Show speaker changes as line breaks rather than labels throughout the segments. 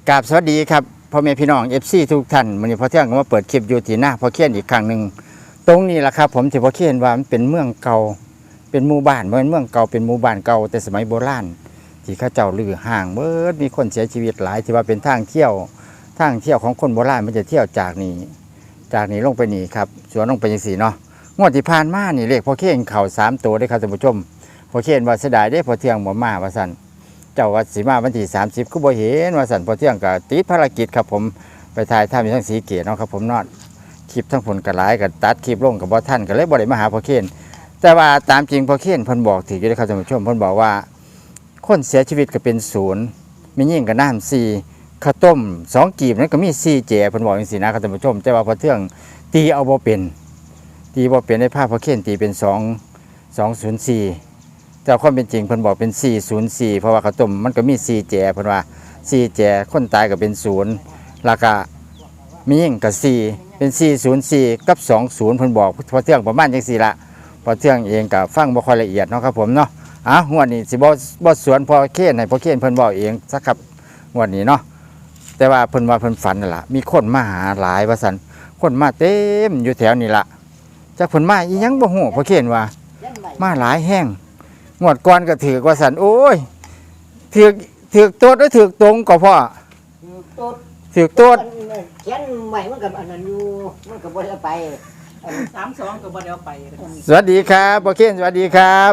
กราบสวัสดีครับพ่อแม่พี่น้อง FC ทุกท่านวันนี้พอเที่ยงก็มาเปิดคลิปอยู่ที่หน้าพอเคียนอีกครั้งหนึ่งตรงนี้แหละครับผมที่พอเคียนว่ามันเป็นเมืองเก่าเป็นหมู่บ้านเหมือนเมืองเก่าเป็นหมู่บ้านเก่าแต่สมัยโบราณที่เข้าเจ้าลือห่างเบิดมีคนเสียชีวิตหลายที่ว่าเป็นทางเที่ยวของคนโบราณมันจะเที่ยวจากนี้ลงไปนี่ครับสวนลงไปยังสี่เนาะงวดที่ผ่านมานี่เลขพอเคียนเข่า3 ตัวได้ครับท่านผู้ชมพอเคียนว่าเสียดายได้พอเที่ยงหมอมาว่าสั่นเจ้าวัดศรีมาวันที่30ก็บ่เห็นว่าสันพอเที่ยงก็ติดภารกิจครับผมไปถ่ายทำอยู่ทั้งสีเกตเนาะครับผมนอดคลิปทั้งผลกระไรกับตัดคลิปลงกับบ่ท่านก็เลยบ่ได้มาหาพอเคนแต่ว่าตามจริงพอเคนเพิ่นบอกถืออยู่เลยครับท่านผู้ชมเพิ่นบอกว่าคนเสียชีวิตก็เป็น0มียิ่งกับน้ำ4ข้าวต้ม2 กีบนั้นก็มี4 แจเพิ่นบอกอย่างนี้นะครับท่านผู้ชมแต่ว่าพอเที่ยงตีเอาบ่เป็นในภาพพอเคนตีเป็น204แต่ความเป็นจริงเพิ่นบอกเป็น404เพราะว่าข้าวต้มมันก็มี4 แจเพิ่นว่า4 แจคนตายก็เป็น0แล้วก็มียิ่งกับ4เป็น404กับ20เพิ่นบอกพอเที่ยงประมาณจังซี่ละพอเที่ยงเองก็ฟังบ่ค่อยละเอียดเนาะครับผมเนาะงวดนี้สิบ่สวนพอเคนให้พอเคนเพิ่นบอกเองสักครับงวดนี้เนาะแต่ว่าเพิ่นว่าเพิ่นฝันนั่นล่ะมีคนมาหาหลายว่าซั่นคนมาเต็มอยู่แถวนี้ล่ะจักเพิ่นมาอีหยังบ่ฮู้พอเคนว่ามาหลายแห้งงวดก่อนก็ถือกว่าสันโอ้ยถือกโต๊ดแล้วถือกตรงก็พ่อถือกโต๊ด
เขียนใหม่มันกับอันนั้นอยู่มันกับบ่ได้ไป
32ก็บ่ได้เอาไป
สวัสดีครับพ่อเคนสวัสดีครับ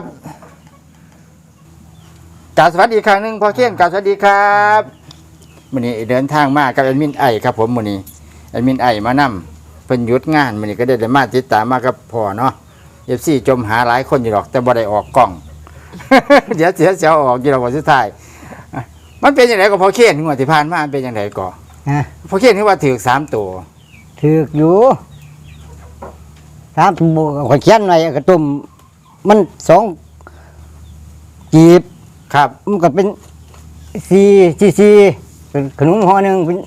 กราบสวัสดีครั้งหนึ่งพ่อเคนกราบสวัสดีครับมื้อนี้เดินทางมากับแอดมินไอครับผมมื้อนี้แอดมินไอมานำเพิ่นหยุดงานมื้อนี้ก็ได้มาติดตามมากับพ่อเนาะ FC จมหาหลายคนอยู่หรอกแต่บ่ได้ออกกล้องเดี๋ยวเสียออกอยู่หรอกวันสุดท้ายมันเป็นยังไงก็พอเคนงวดที่ผ่านมาเป็นยังไงก็พอเคนคือว่าถือ3 ตัว
ถืออยู่3 ตัวข่อยเขียนไว้กระตุ่มมัน2 กีบ
ครับ
มันก็เป็น4เป็นขนมห่อนึงเป็น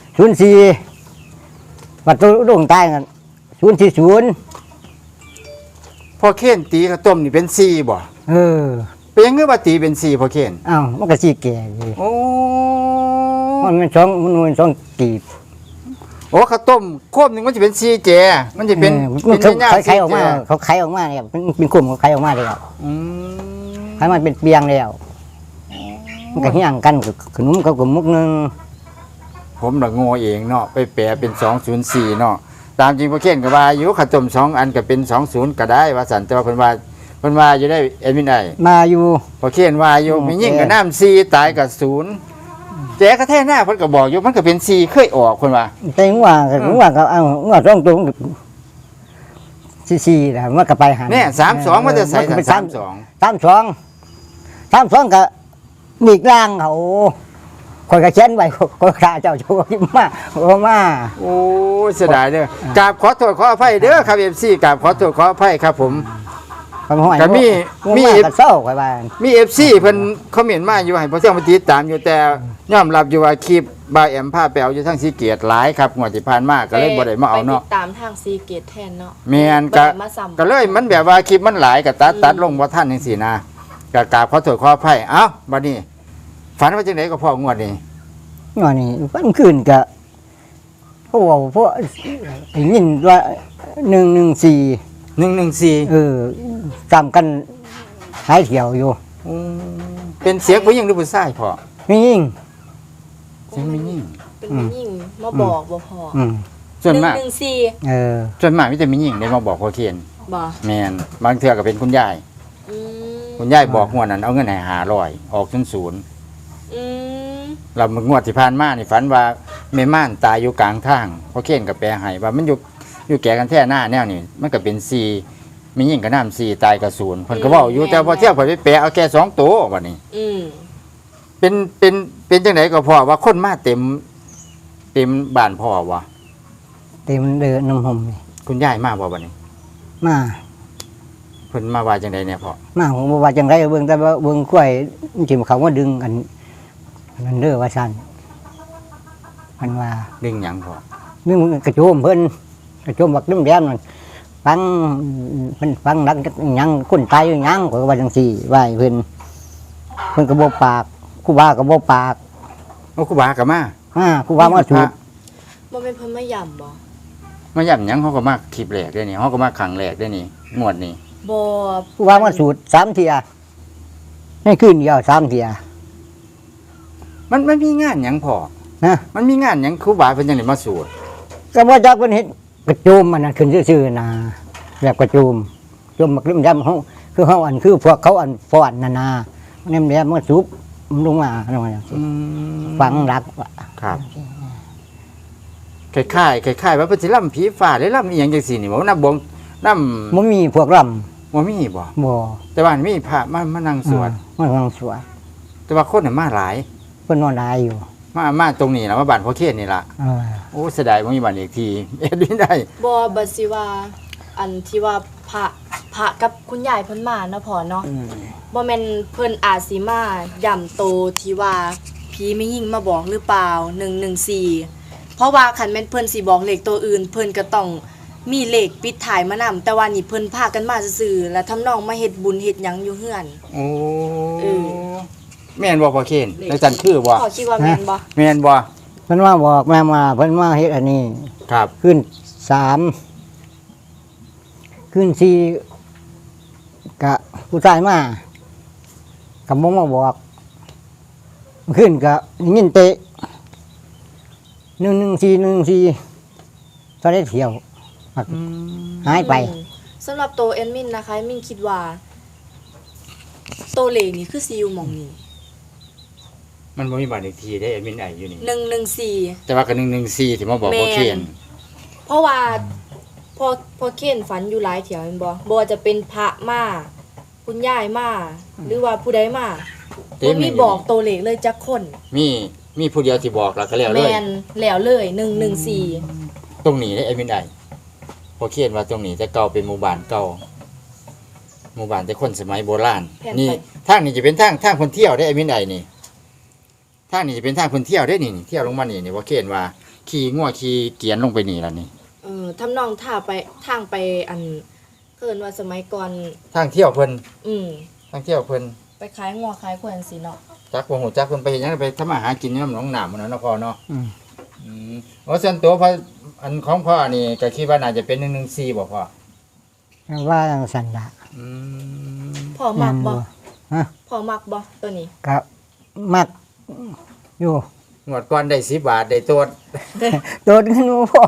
04บัดตัวดวงตายกัน040
พอเคนตีข้าวต้มนี่เป็น4บ่เป็นยังไงว่าตีเป็น4พอเคน
อ้าวมันก็4 แก่อยู่
โอ้
มันเป็น2กีบ
โอ้ข้าวต้มโคมนึงมันจะเป็น4 แจมันจะเป็น
ไข่ออกมาเขาไข่ออกมาเนี่ยเป็นกลุ่มเขาไข่ออกมาเลยครับไข่มันเป็นเปียงแล้วมันก็เฮี้ยงกันขนมกับมุกนึง
ผมละโง่เองเนาะไปแปลเป็น204เนาะตามจริงพอเคนก็ว่าอยู่ข้าวต้ม2 อันก็เป็น20ก็ได้ว่าสันแต่ว่าเพิ่นว่าอยู่ได้แอดมินได้
มาอยู่
พอเขียนว่าอยู่มียิ่งกับน้ำ4ตายกับ0แจ๊กระแทกหน้าเพิ่นก็บอกอยู่มันก็เป็น4เคยออกคนว่า
แต่ว่าก็เอาว่าต้องตรง4นะมันก็ไปหัน
เนี่ย32มันจะใส่
32ก็มีกลางเขาคนก็เขียนไว้คนข้าเจ้าโชว์มา
โอ้เสียดายเด้อกราบขอโทษขออภัยเด้อครับ FC กราบขอโทษขออภัยครับผมก็มี
เศร้าไปบ้าน
มี FC เพิ่นคอมเมนต์มาอยู่ให้พอเที่ยงมาติดตามอยู่แต่ยอมรับอยู่ว่าคลิปบ่าวแอมพาไปเอาอยู่ทั้งสีเกียรติหลายครับงวดที่ผ่านมาก็เลยบ่ได้มาเอาเนาะ
ไปติดตามทางสีเกียรติแทนเนาะ
แม่นก็เลยมันแบบว่าคลิปมันหลายก็ตัดลงบ่ทันจังซี่นะก็กราบขอโทษขออภัยเอ้าบัดนี้ฝันว่าจังได๋ก็พองวดนี้
ฝันคืนก็พวกได้ยินว่า114จำกันหายเที่ยวอยู่
เป็นเสียงผู้หญิงหรือผู้ชายพ่อ
มียิ่ง
เสียงมียิ่ง
เป็นมียิ่งมาบอกบ่พอ
ส่วนมาก
ส่วน
มากมีแต่มียิ่งได้มาบอกพอเคน
บ่
แม่นบางเทื่อก็เป็นคุณยายบอกงวดนั้นเอาเงินให้500ออก0เรางวดที่ผ่านมานี่ฝันว่าแม่ม่านตายอยู่กลางทางพอเคนก็แปลให้ว่ามันอยู่แก่กันแท้หน้าแนวนี่มันก็เป็น4มียิ่งกับน้ำ4ตายกับ0เพิ่นก็เว้าอยู่แต่พอเที่ยวเพิ่นไปแปลเอาแค่2 ตัวบัดนี้เป็นจังไดก็พอว่าคนมาเต็มบ้านพ่อวะ
เต็มเดินน้ำหอม
คุณยายมาบ่บัดนี้
มา
เพิ่นมาว่าจังไดเนี่ยพ่อ
มาผมว่าจังไดเบิ่งแต่ว่าเบิ่งกล้วยจิ้มเขาว่าดึงกันนั่นเด้อว่าซั่นมันว่า
ดึงหยังพ่อ
ดึงกระโจมเพิ่นกระโจมบักแดงๆนั่นฟังนักยังคนตายอยู่ยังก็ว่าจังซี่ว่าเพิ่นก็บ่ปากครูบาก็บ่ปาก
ครูบาก็มา
ครูบามาสูตร
บ่แม่นเพิ่นมาย่ำบ่
มาย่ำหยังเขาก็มาคลิปแรกได้นี่เขาก็มาขังแรกได้นี่งวดนี้
บ่
ครูบามาสูตร3เที่ยให้คืนเดียว3เที่ย
มันมีงานหยังพอ
นะ
มันมีงานหยังครูบาเพิ่นจังได๋มาสวด
ก็บ่จักเพิ่นเฮ็ดกระโจมมันน่ะขึ้นซื่อๆนะแบบกระโจมมักลิ่มดำเฮาคือเฮาอันคือพวกเขาอันฟ้อนนั่นน่ะเนี่ยแหละมันสูบมันลงมาลงมาฝังรัก
ครับคล้ายๆว่าเพิ่นสิล่ำผีฟ้าหรือล่ำอีหยังจังซี่นี่บ่นำบงนำ
บ่มีพวกรำ
บ่มีบ่
บ่
แต่ว่ามีพระมานั่งสวด
มันกำลังสวด
แต่ว่าคนน่ะมาหลาย
เพิ่นนอนหลายอยู่
มาตรงนี้ล่ะมาบ้านพ่อเคนนี่ล่ะ
เออ
โอ้เสียดายบ่มีบ้านอีกทีเอ็ดไม่ได้
บ่บัดสิว่าอันที่ว่าพระกับคุณยายเพิ่นมาเนาะพ่อเนาะบ่แม่นเพิ่นอาจสิมาย่ำโตที่ว่าผีไม่ยิ่งมาบอกหรือเปล่า114เพราะว่าคันแม่นเพิ่นสิบอกเลขตัวอื่น เพิ่นก็ต้องมีเลขปิดท้ายมานำแต่ว่านี่เพิ่นพากันมาซื่อๆแล้วทำนองมาเฮ็ดบุญเฮ็ดหยังอยู่เฮือน
โอ้
เออ
แม่นบ่พ่อเคนแล้วจันคือบ่
พ่อคิดว่าแม่นบ่
แม่นบ่
เพิ่นมาบอกแม่มาเพิ่นมาเฮ็ดอันนี้
ครับ
ขึ้น3ขึ้น4กะผู้ชายมากับบ่มาบอกขึ้นกะยินเตะ114ตอนได้เที่ยวหายไป
สำหรับตัวแอดมินนะคะแอดมินคิดว่าตัวเลขนี่คือสิอยู่หม่องนี้
มันบ่มีบ้านอีกทีได้แอดมินไออยู่นี่
114
แต่ว่าก็114ที่มาบอกพ่อเคน
เพราะว่าพอเคนฝันอยู่หลายเถียวแม่นบ่บ่ว่าจะเป็นพระมาคุณยายมาหรือว่าผู้ใดมาบ่มีบอกตัวเลขเลยจักคน
มีผู้เดียวที่บอกแล้วก็แล้วเล
แม่
ย
นแล้วเลย114
ตรงนี้ได้แอดมินไอพ่อเคนว่าตรงนี้แต่เก่าเป็นหมู่บ้านเก่าหมู่บ้านแต่คนสมัยโบราณนี่ทางนี้จะเป็นทางคนเที่ยวได้แอดมินไอนี่ทางนี้จะเป็นทางคนเที่ยวได้นี่เที่ยวลงมานี่พ่อเคนว่าขี่งัวขี่เกียนลงไปนี่ล่ะนี่
ทำนองท่าไปทางไปอันเพิ่นว่าสมัยก่อน
ทางเที่ยวเพิ่น
อืม
ทางเที่ยวเพิ่น
ไปขายงัวขายควายจังซี่เนาะ
จักบ่ฮู้จักเพิ่นไปเฮ็ดหยังไปทำมาหากินอยู่น้ำหนองน้ำมื้อนั้นเนาะพ่อเนาะ
อืม
ส่วนตัวพ่ออันของพ่อนี่ก็คิดว่าน่าจะเป็น114บ่พ่อ
ว่าจังซั่นล่ะ
อืม
พ่อมักบ่
ฮะ
พ่อมักบ่ตัวนี้
ก็มักอยู่
งวดก่อนได้10 บาทได้ตัว
โดนขึ้นมาพ่อ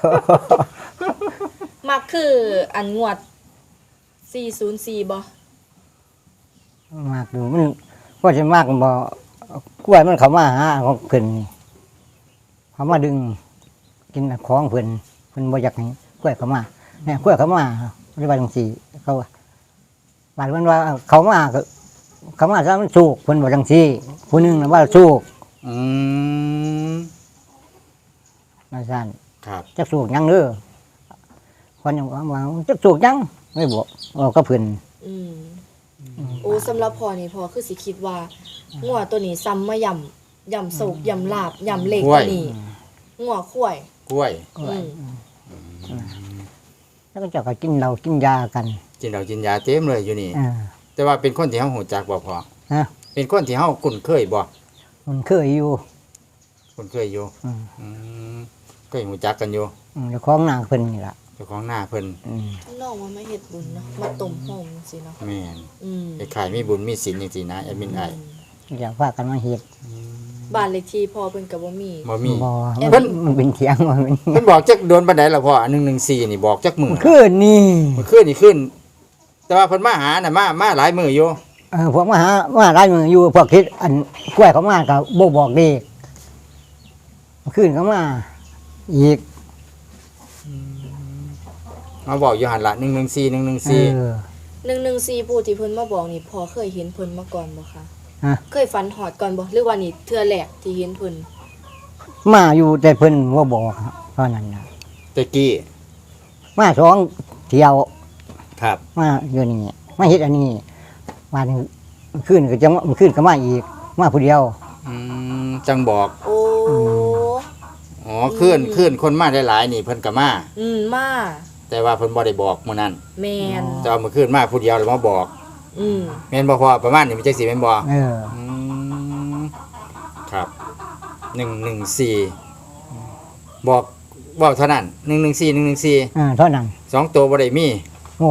มักคืออันงวด404บ่
มากดูมันก็จะมากบ่กล้วยมันเข้ามาหาของเพิ่นนี่เขามาดึงกินของเพิ่นบ่อยากให้กล้วยเข้ามาเนี่ยกล้วยเข้ามาเรียกว่าจังซี่เขาว่าบาดมันว่าเขามาก็เขามาซะมันสูกเพิ่นบ่จังซี่ผู้หนึงน่ะว่าสูก
อืม
ว่าซั่น
ครับ
จักสูกหยังเด้อคนยังว่าจักสูกหยังไม่บอกก็เพิ่น
อืมโอ้สำหรับพ่อนี่พ่อคือสิคิดว่างัวตัวนี้ซ้ำมาย่ำโศกย่ำลาบย่ำเหล็กตัวนี้งัวข้วย
กล้วย
อืม
แล้วก็เจ้าก็กินเหล้ากินยากัน
กินเหล้ากินยาเต็มเลยอยู่นี่
อ่า
แต่ว่าเป็นคนที่เฮาฮู้จักบ่พ่อ
ฮะ
เป็นคนที่เฮาคุ้นเคยบ่
มันเคยอยู่
คุ้นเคยอยู่
อืม
อืมเคยฮู้จักกันอยู่
เจ้าของนางเพิ่นนี่ล่ะ
เจ้าของหน้าเพิ่น
น้องว่ามาเฮ็ดบุญเนาะมาต้มโฮมจังซี่เนาะ
แม่น
อืม
คล้ายๆมีบุญมีศีลจังซี่นะแอดมินไอ
อยากพากันมาเฮ็ด
บ้านเลขที่พ่อเพิ่นก็บ่มี
บ่มี
บ่
เพิ่น
มันเป็นเถียงว่ามัน
เพิ่นบอกจักโดนปานใดล่ะพ่อ114นี่บอกจักมื้อ
คืนนี่
มันขึ้นนี่ขึ้น แต่ว่าเพิ่นมาหาน่ะมาหลายมื้ออยู่
พวกมาหามาหลายมืออยู่พวกคิดอันกล้วยเขามาก็บ่บอกเด็กคืนเขามาอีก
มาบอกอยู่หั่นล่ะ114
เอ
114
อ
114ผู้ที่เพิ่นมาบอกนี่พ่อเคยเห็นเพิ่นมาก่อนบ่คะ
ฮะ
เคยฝันหอดก่อนบ่หรือว่านี่เทื่อแรกที่เห็นเพิ่น
มาอยู่แต่เพิ่นบ่บอกครับตอนนั้นน่ะ
ตะกี้
มาสองเที่ยว
ครับ
มาอยู่นี่มาเฮ็ดอันนี้วันขึ้นก็จะมาขึ้นก็มาอีก มาผู้เดียว
จังบอก
โอ้
อ๋อขึ้นคนมาได้หลายนี่เพิ่นก็มา
มา
แต่ว่าเพิ่นบ่ได้บอกมื้อนั้น
แม่น
แต่ว่ามื้อคืนมาผู้เดียวแล้วมาบอก
อืม
แม่นบ่พอประมาณนี้มันจังสิแม่นบ่
เออ
ครับ 114บอกเท่านั้น114
เท่านั้น
2ตัวบ่ได้มี
โอ้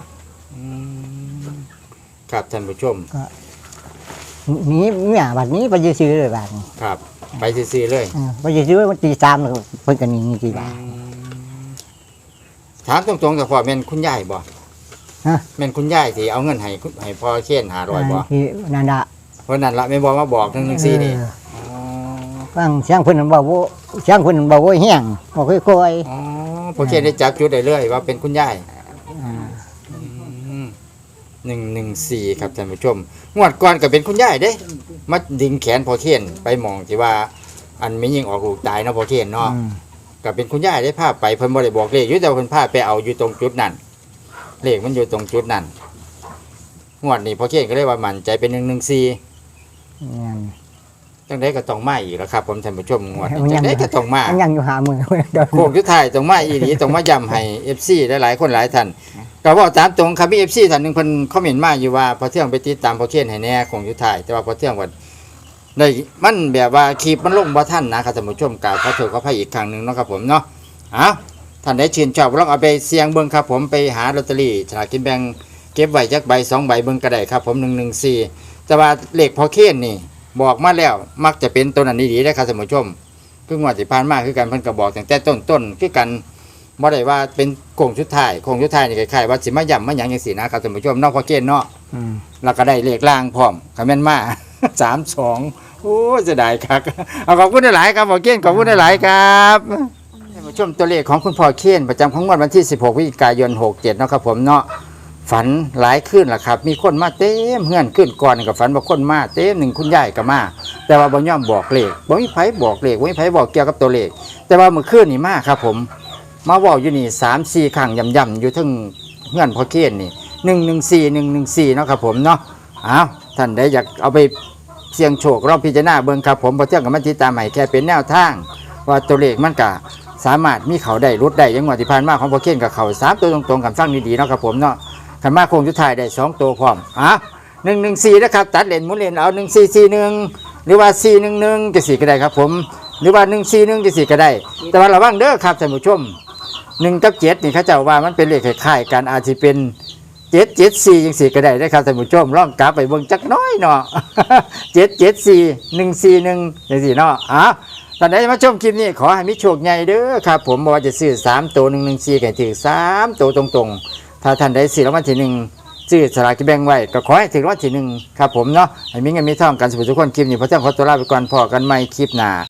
ครับท่านผู้ชม
หนีเนี่ยบัดนี้ไปซื้อเลยบัดนี้
ครับไปซื่อๆเลย
ไปซื้อวันตี3แล้วเพิ่นก็หนีกี่บาท
ถามตรงๆกับพ่อแม่นคุณยายบ่
ฮะ
แม่นคุณยายสิเอาเงินให้พ่อเขียน500บ่
ที่นั่นน่ะ
เพราะนั้นละแม่นบ่มาบอก114นี่
ฟังเสียงเพิ่นบอกว่าเสียงเพิ่นบอกว่าแห้งบอกค่อย
อ๋อพ่อเขียนได้จับจุดได้เลยว่าเป็นคุณยาย 114ครับท่านผู้ชมงวดก่อนก็เป็นคุณยายเด้มาดึงแขนพ่อเขียนไปมองที่ว่า อันไม่ยิงออกลูกตายเนาะพ่อเขียนเนาะก็เป็นคุณยายได้พาไปเพิ่นบ่ได้บอกเลขอยู่แต่ว่าเพิ่นพาไปเอาอยู่ตรงจุดนั้นเลขมันอยู่ตรงจุดนั้นงวดนี้พ่อเขียนก็เลยว่ามั่นใจเป็น114 จังได๋ก็ต้องมาอีกแล้วครับผมท่านผู้ชมงวดนี้จังได๋ก็ต้องมา
มันยังอยู่หามือ
โค้งสุดท้ายต้องมาอีหลีต้องมาย้ำให้ FC หลายๆคนหลายท่านก็เว้าตามตรงครับมี FC ท่านหนึงเพิ่นคอมเมนต์มาอยู่ว่าพอเที่ยงไปติดตามพอเขียนให้แน่โค้งสุดท้ายแต่ว่าพอเที่ยงว่าได้มันแบบว่าคลิปมันลงบ่ทันนะครับท่านผู้ชมกราบขอโทษขออภัยอีกครั้งหนึงเนาะครับผมเนาะเอาท่านใดชื่นชอบลองเอาไปเสี่ยงเบิ่งครับผมไปหาลอตเตอรี่ฉลากกินแบ่งเก็บไว้จักใบ2ใบเบิ่งก็ได้ครับผม114แต่ว่าเลขพอเขียนนี่บอกมาแล้วมักจะเป็นตัวนั้นดีๆนะครับท่านผู้ชม คืองวดที่ผ่านมาคือกันเพิ่นก็บอกตั้งแต่ต้นคือกันบ่ได้ว่าเป็นโค้งสุดท้ายนี่คล้ายๆว่าสิมาย่ำมาหยังจังซี่นะครับท่านผู้ชมเนาะพอเกณฑ์เนาะแล้วก็ได้เลขล่างพร้อมก็แม่นมา 32โอ้เสียดายคักเอาขอบคุณหลายๆครับพอเกณฑ์ขอบคุณหลายๆครับท่านผู้ชมตัวเลขของคุณพ่อเคนประจำของงวดวันที่16พฤศจิกายน67เนาะครับผมเนาะฝันหลายคืนล่ะครับมีคนมาเต็มเฮือนขึ้นก่อนก็ฝันว่าคนมาเต็มหนึ่งคุณยายก็มาแต่ว่าบ่ยอมบอกเลขบ่มีไผบอกเลขบ่มีไผบอกเกี่ยวกับตัวเลขแต่ว่าเมื่อคืนนี่มาครับผมมาเว้าอยู่นี่3-4ครั้งย่ำๆอยู่ถึงเฮือนพ่อเคนนี่114เนาะครับผมเนาะอ้าวท่านใดอยากเอาไปเสี่ยงโชคลองพิจารณาเบิ่งครับผมบ่เที่ยงกับมันติดตามให้แค่เป็นแนวทางว่าตัวเลขมันก็สามารถมีเขาได้รุดได้อยังงวดที่ผ่านมาของพ่อเคนกับเขา3ตัวตรงๆกันฟังดีๆเนาะครับผมเนาะขันมาโค้งสุดท้ายได้2ตัวพร้อม114นะครับตัดเลนหมุนเลนเอา1441หรือว่า411จะ4ก็ได้ครับผมหรือว่า141จะ4ก็ได้แต่ว่าระวังเด้อครับท่านผู้ชม1กับ7นี่เขาเจ้าว่ามันเป็นเลขคล้ายๆกันอาจสิเป็น774จัง4ก็ได้เด้อครับท่านผู้ชมลองกลับไปเบิ่งจักน้อยเนาะ 774 141จังซี่เนาะตอนไหนมาชมคลิปนี้ขอให้มีโชคใหญ่เด้อครับผมบ่ว่าจะซื้อ3ตัว114ก็ให้ถือ3ตัวตรงๆถ้าท่านได้ซื้อรางวัลที่1ซื้อสลากกินแบ่งไว้ก็ขอให้ถึงรางวัลที่1ครับผมเนาะให้มีเงินมีทองกันสุขทุกคนคลิปนี้พระเจ้าขอตัวลาไปก่อนพอกันใหม่คลิปหน้า